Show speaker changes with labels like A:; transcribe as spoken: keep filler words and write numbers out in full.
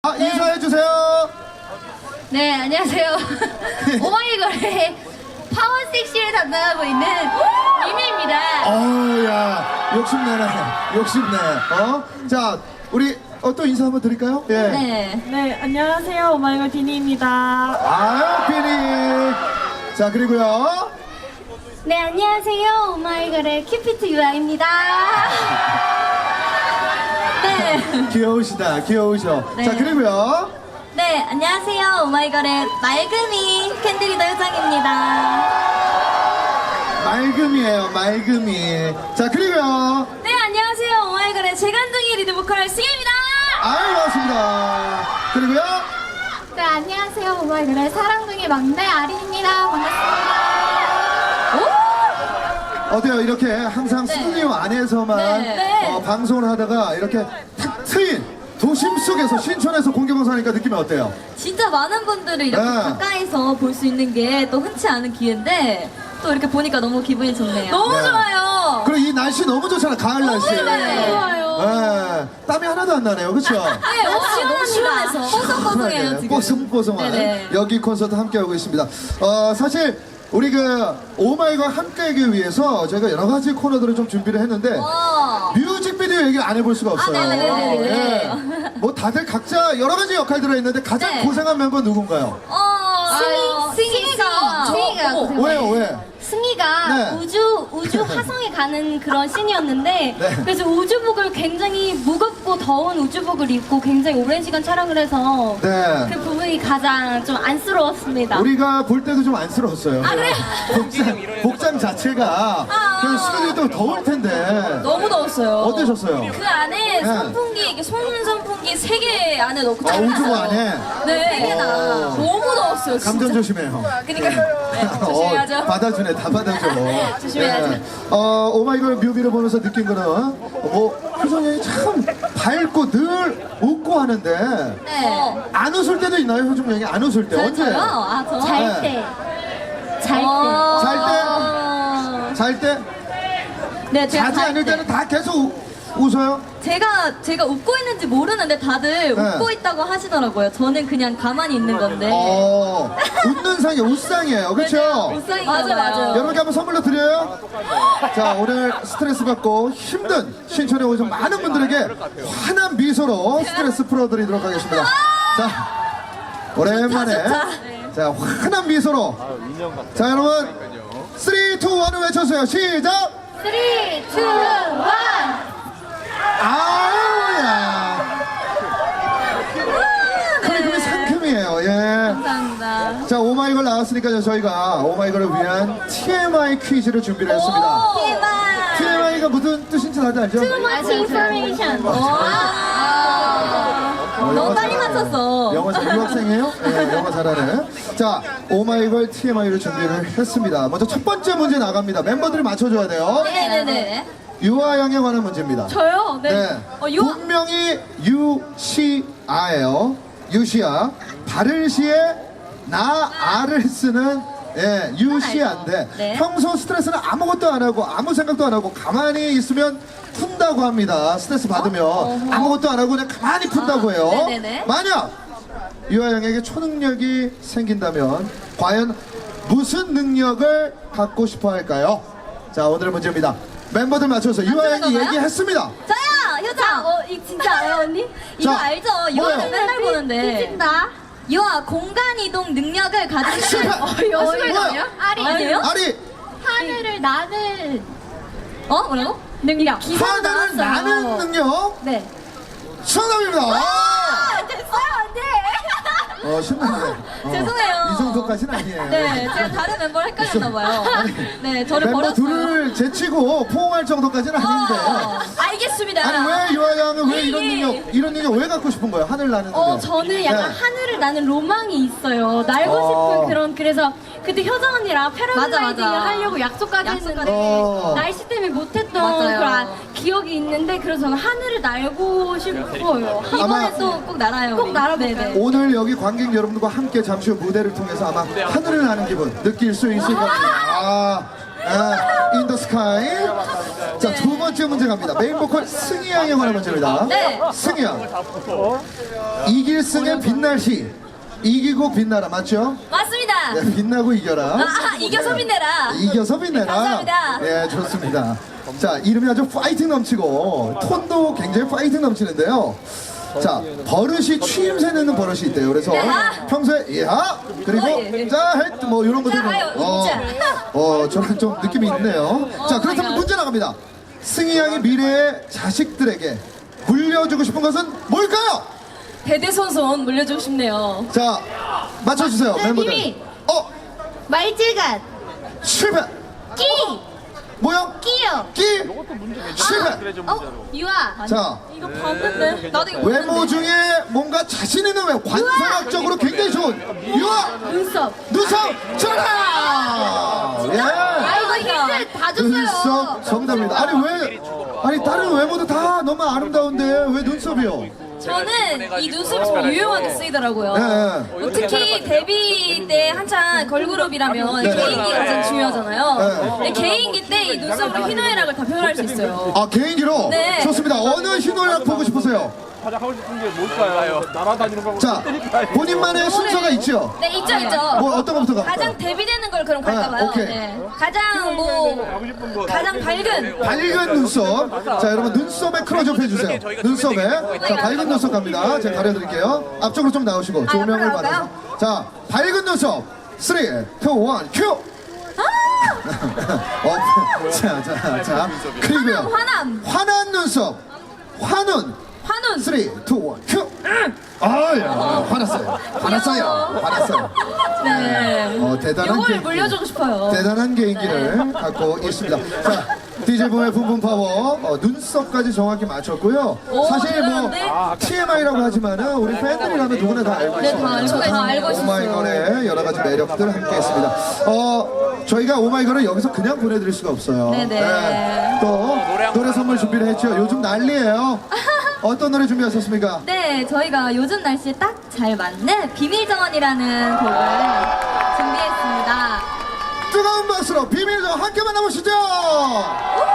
A: 아, 네. 인사해주세요.
B: 네, 안녕하세요. 오마이걸의 파워 섹시를 담당하고 있는 이미입니다.
A: 어우, 야, 욕심내네. 욕심내. 어? 자, 우리, 어, 또 인사 한번 드릴까요? 예.
B: 네.
C: 네, 안녕하세요. 오마이걸 디니입니다.
A: 아유, 비니. 자, 그리고요.
B: 네, 안녕하세요. 오마이걸의 큐피트 유아입니다. 네.
A: 귀여우시다, 귀여우셔.
B: 네.
A: 자, 그리고요.
B: 네, 안녕하세요. 오마이걸의 맑음이 캔들이더 효정입니다.
A: 맑음이에요, 맑음이. 자, 그리고요.
B: 네, 안녕하세요. 오마이걸의 재간둥이 리드보컬 승희입니다.
A: 아유, 반갑습니다. 그리고요.
B: 네, 안녕하세요. 오마이걸의 사랑둥이 막내 아린입니다. 반갑습니다.
A: 어때요? 이렇게 항상
B: 네.
A: 스튜디오 안에서만
B: 네.
A: 어, 방송을 하다가 이렇게 탁 트인 도심 속에서 신촌에서 공개방송하니까 느낌이 어때요?
B: 진짜 많은 분들을 이렇게
A: 네.
B: 가까이서 볼 수 있는 게 또 흔치 않은 기회인데 또 이렇게 보니까 너무 기분이 좋네요. 너무
A: 네.
B: 좋아요.
A: 그리고 이 날씨 너무 좋잖아, 가을 날씨.
B: 네, 좋아요.
A: 네. 땀이 하나도 안 나네요, 그쵸?
B: 네, 너무 시원합니다. 뽀송뽀송해요 지금.
A: 뽀송뽀송한
B: 네네.
A: 여기 콘서트 함께하고 있습니다. 어, 사실 우리 그 오마이걸 함께하기 위해서 저희가 여러 가지 코너들을 좀 준비를 했는데
B: 와.
A: 뮤직비디오 얘기를 안 해볼 수가 없어요.
B: 아, 네네네네.
A: 예. 뭐 다들 각자 여러 가지 역할 들어있는데 가장
B: 네.
A: 고생한 멤버 누군가요?
B: 어, 승희, 승희가, 승희가
A: 어, 왜요, 왜?
D: 승희가
A: 네.
D: 우주 우주 화성에 가는 그런 씬이었는데
A: 네.
D: 그래서 우주복을 굉장히 무겁고 더운 우주복을 입고 굉장히 오랜 시간 촬영을 해서
A: 네.
D: 그 부분이 가장 좀 안쓰러웠습니다.
A: 우리가 볼 때도 좀 안쓰러웠어요.
D: 아, 그래요?
A: 복장, 복장 자체가 그냥 스튜디오도 더울 텐데.
B: 너무 더웠어요.
A: 어떠셨어요?
B: 그 안에
A: 네.
B: 선풍기, 이렇게 손 선풍기 세 개 안에 넣고
A: 아, 우주복
B: 촬영했어요.
A: 안에?
B: 네, 세 개나.
A: 어.
B: 너무 더웠어요, 진짜.
A: 감전 조심해요.
B: 그니까 네, 조심해야죠.
A: 어, 받아주네, 다 받아줘.
B: 조심해야죠.
A: 어, 오마이걸 뮤비를 보면서 느낀 거는, 뭐, 효정이 참 밝고 늘 웃고 하는데,
B: 네.
A: 안 웃을 때도 있나요, 효정 양이? 안 웃을 때?
B: 저,
A: 언제?
B: 저요? 아, 저?
D: 잘
A: 네.
D: 때. 잘 때.
B: 어.
A: 잘 잘 때?
B: 네, 제가
A: 자지
B: 잘
A: 않을
B: 때.
A: 때는 다 계속 우- 웃어요?
B: 제가 제가 웃고 있는지 모르는데 다들
A: 네.
B: 웃고 있다고 하시더라고요. 저는 그냥 가만히 있는 건데.
A: 어, 웃는 상이 웃상이에요. 그쵸?
B: 웃상이 맞아 맞아.
A: 여러분께 한번 선물로 드려요. 자, 오늘 스트레스 받고 힘든 신촌에 오신 많은 분들에게 환한 미소로 스트레스 풀어드리도록 하겠습니다. 자, 오랜만에 자 환한 미소로 자 여러분 삼, 이, 일 외쳐주세요. 시작.
D: 삼, 이, 일.
A: 아우야. 그리고 상큼이에요. 예.
B: 감사합니다.
A: 자, 오마이걸 나왔으니까요. 저희가 오마이걸을 위한 티엠아이 퀴즈를 준비를 했습니다.
B: 대박.
A: 티엠아이가 무슨 뜻인지 다들 알죠?
D: Too much information.
B: 너무 빨리 맞췄어.
A: 영어 잘- 유학생이에요? 네, 영어 잘하네. 자, 오마이걸 티엠아이를 준비를 했습니다. 먼저 첫 번째 문제 나갑니다. 멤버들이 맞춰줘야 돼요.
B: 네네네.
A: 유아양에 관한 문제입니다.
B: 저요? 네.
A: 네.
B: 어, 유
A: 본명이 유시아예요. 유시아. 바를시에 나 아를 쓰는 예, 유시아인데
B: 네.
A: 평소 스트레스는 아무것도 안 하고 아무 생각도 안 하고 가만히 있으면 푼다고 합니다. 스트레스 받으면 아무것도 안 하고 그냥 가만히 푼다고 해요.
B: 아, 네네네.
A: 만약 유아양에게 초능력이 생긴다면 과연 무슨 능력을 갖고 싶어 할까요? 자, 오늘의 문제입니다. 멤버들 맞춰서 유아양이
B: 건가요?
A: 얘기했습니다.
B: 저요. 효정.
D: 어, 이 진짜 알아요, 언니?
B: 이거
A: 자,
B: 알죠?
A: 뭐예요?
B: 유아는 맨날 보는데.
D: 삐진다.
B: 유아 공간 이동 능력을 가지고
A: 실패!
B: 있어요. 어,
A: 뭐야?
B: 이거
D: 아리.
B: 아니에요?
A: 아리
D: 하늘을 나는
B: 어? 뭐라고?
D: 능력.
A: 하늘을 나는 능력
D: 네.
A: 정답입니다.
B: 아, 됐어요, 안 돼.
A: 어, 신나네. 어,
B: 죄송해요.
A: 이 정도까지는 아니에요.
B: 네, 제가 다른 멤버를 헷갈렸나봐요. 네, 저를
A: 멤버
B: 버렸어요.
A: 둘을 제치고 포옹할 정도까지는 아닌데.
B: 어, 알겠습니다.
A: 아니 왜 유아양은 왜
B: 예,
A: 이런
B: 예.
A: 능력 이런 능력 왜 갖고 싶은 거예요? 하늘 나는 능력.
D: 어, 저는 약간
A: 네.
D: 하늘을 나는 로망이 있어요. 날고
A: 어.
D: 싶은 그런, 그래서 그때 효정 언니랑 패러글라이딩을
B: 맞아, 맞아.
D: 하려고 약속까지
B: 약속까지.
D: 했는데
A: 어.
D: 날씨 때문에 못했던
B: 맞아요.
D: 그런 기억이 있는데 그래서 저는 하늘을 날고 싶어요.
B: 이번에
A: 아마-
B: 또 꼭 날아요.
D: 꼭
B: 우리.
D: 날아볼까요?
B: 네네.
A: 오늘 여기 관객 여러분들과 함께 잠시 후 무대를 통해서 아마 하늘을 나는 기분 느낄 수 있을 겁니다. 아, 아, in the sky. 자, 두 번째 문제 갑니다. 메인 보컬 승희 양에 관한 문제입니다.
B: 네.
A: 승희 양. 이길 승의 빛날 시. 이기고 빛나라. 맞죠?
B: 맞습니다.
A: 네, 빛나고 이겨라.
B: 아, 아, 이겨서 빛내라.
A: 이겨서 빛내라.
B: 감사합니다.
A: 예, 좋습니다. 자, 이름이 아주 파이팅 넘치고 톤도 굉장히 파이팅 넘치는데요. 자, 버릇이 취임새 내는 버릇이 있대요. 그래서
B: 야.
A: 평소에 야 그리고
B: 어, 예.
A: 자, 헷, 뭐 이런 것들
B: 자, 아유,
A: 어,
B: 자.
A: 어, 저는 좀 느낌이 있네요. 자,
B: 오
A: 그렇다면
B: 마이 갓.
A: 문제 나갑니다. 승희 양이 미래의 자식들에게 물려주고 싶은 것은 뭘까요?
B: 대대손손 물려주고 싶네요.
A: 자, 맞춰주세요, 멤버들.
D: 비밀.
A: 어,
D: 말질갓,
A: 실패.
D: 끼,
A: 뭐요?
D: 끼요.
A: 끼. 실패.
D: 어, 유아.
A: 자,
B: 이거 봤는데? 나도 이거
A: 외모
B: 봤는데.
A: 중에 뭔가 자신 있는 외모, 관상학적으로 굉장히 좋은 유아
D: 눈썹.
A: 눈썹 정답. 예.
D: 아, 이거 힌트 다 줬어요.
A: 눈썹 정답입니다. 아니 왜? 아니 다른 외모도 다 너무 아름다운데 왜 눈썹이요?
B: 저는 이 눈썹이 좀 유용하게 쓰이더라고요.
A: 네.
B: 뭐 특히 데뷔 때 한창 걸그룹이라면
A: 네.
B: 개인기가 가장 중요하잖아요.
A: 네.
B: 근데 개인기 때 이 눈썹으로 희노애락을 다 표현할 수 있어요.
A: 아 개인기로?
B: 네.
A: 좋습니다. 어느 희노애락 보고 싶으세요?
E: 가장 하고 싶은 게 뭘까요? 날아다니는 거고.
A: 자, 본인만의 순서가 있죠?
B: 네, 있죠, 있죠.
A: 뭐 어떤 것부터 갈까요?
B: 가장 데뷔되는 걸 그럼
A: 아,
B: 갈까봐요.
A: 오케이.
B: 네. 가장 뭐 가장 밝은
A: 밝은 눈썹. 자, 여러분 눈썹에 클로즈업 해주세요. 눈썹에. 자, 밝은 눈썹 갑니다. 제가 가려드릴게요. 앞쪽으로 좀 나오시고 조명을
B: 앞으로
A: 받아서.
B: 나올까요?
A: 자, 밝은 눈썹. 삼, 이, 일, 큐! 어, 자, 자, 자. 그리고요.
B: 화남,
A: 환한 눈썹. 환운.
B: 환훈.
A: 삼, 이, 일, 큐! 아, 야, 화났어요. 화났어요. 화났어요.
B: 네.
A: 어, 대단한
B: 요걸
A: 개인기.
B: 물려주고 싶어요.
A: 대단한 개인기를 갖고 있습니다. 자, 디제이붐의 붐붐 파워 어, 눈썹까지 정확히 맞췄고요.
B: 오,
A: 사실 뭐
B: 대단한데?
A: 티엠아이라고 하지만은 우리 팬들이라면 누구나 다 알고
B: 네,
A: 있습니다.
B: 다 알고, 다 알고 있었어요.
A: 오마이걸의 여러 가지 매력들 함께했습니다. 어, 저희가 오마이걸을 여기서 그냥 보내드릴 수가 없어요.
B: 네네.
A: 또 노래 선물 준비를 했죠. 요즘 난리예요. 어떤 노래 준비하셨습니까?
B: 네, 저희가 요즘 날씨에 딱 잘 맞는 비밀정원이라는 곡을 준비했습니다.
A: 뜨거운 박수로 비밀정 함께 만나보시죠.
B: 우!